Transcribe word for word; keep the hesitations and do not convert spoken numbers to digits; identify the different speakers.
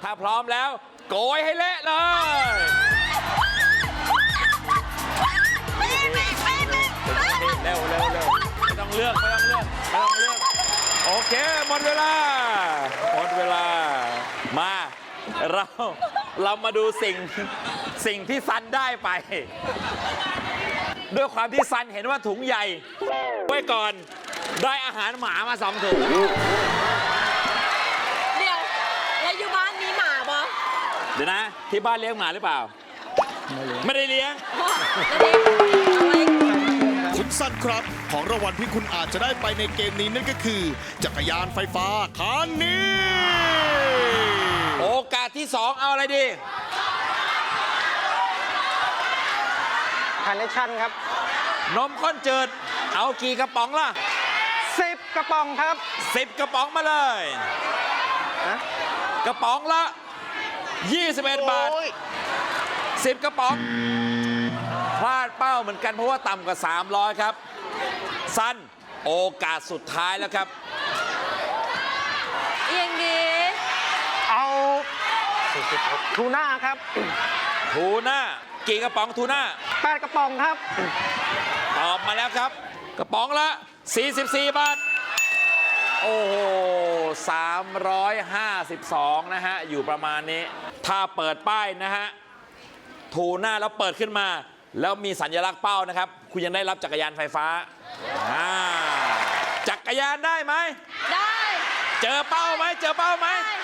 Speaker 1: ถ้าพร้อมแล้วโกยให้เละเลย เร็วเร็วเร็วไม่ต้องเลือกไม่ต้องเลือกไม่ต้องเลือกโอเคหมดเวลาหมดเวลามาเราเรามาดูสิ่งสิ่งที่ซันได้ไป ด้วยความที่ซันเห็นว่าถุงใหญ่ไว้ก่อนได้อาหารหมามาสองถุง
Speaker 2: เดี๋ยวแล้วอยู่บ้านมีหมาปะ
Speaker 1: เดี๋ยวนะที่บ้านเลี้ยงหมาหรือเปล่าไม่ได้เลี้ยง
Speaker 3: คุณสั้นครับของรางวัลที่คุณอาจจะได้ไปในเกมนี้นั่นก็คือจักรยานไฟฟ้าคันนี้
Speaker 1: โอกาสที่สองเอาอะไรดี
Speaker 4: คาร์เนชั่นครับ
Speaker 1: นมข้นจืดเอากี่กระป๋องล่ะ
Speaker 4: สิบกระป๋องครับ
Speaker 1: สิบกระป๋องมาเลยกระป๋องละยี่สิบเอ็ดบาทสิบกระป๋องพลาดเป้าเหมือนกันเพราะว่าต่ำกว่าสามร้อยครับสั้นโอกาสสุดท้ายแล้วครับ
Speaker 2: อย่างนี้
Speaker 4: เอาทูน่าครับ
Speaker 1: ทูน่ากี่กระป๋องทูน่า
Speaker 4: แปดกระป๋องครับ
Speaker 1: ตอบมาแล้วครับกระป๋องละสี่สิบสี่บาทโอ้โหสามร้อยห้าสิบสองนะฮะอยู่ประมาณนี้ถ้าเปิดป้ายนะฮะทูน่าแล้วเปิดขึ้นมาแล้วมีสัญลักษณ์เป้านะครับคุณยังได้รับจักรยานไฟฟ้าจักรยานได้ไหม
Speaker 2: ได้
Speaker 1: เจอเป้าไหมเจอเป้าไหม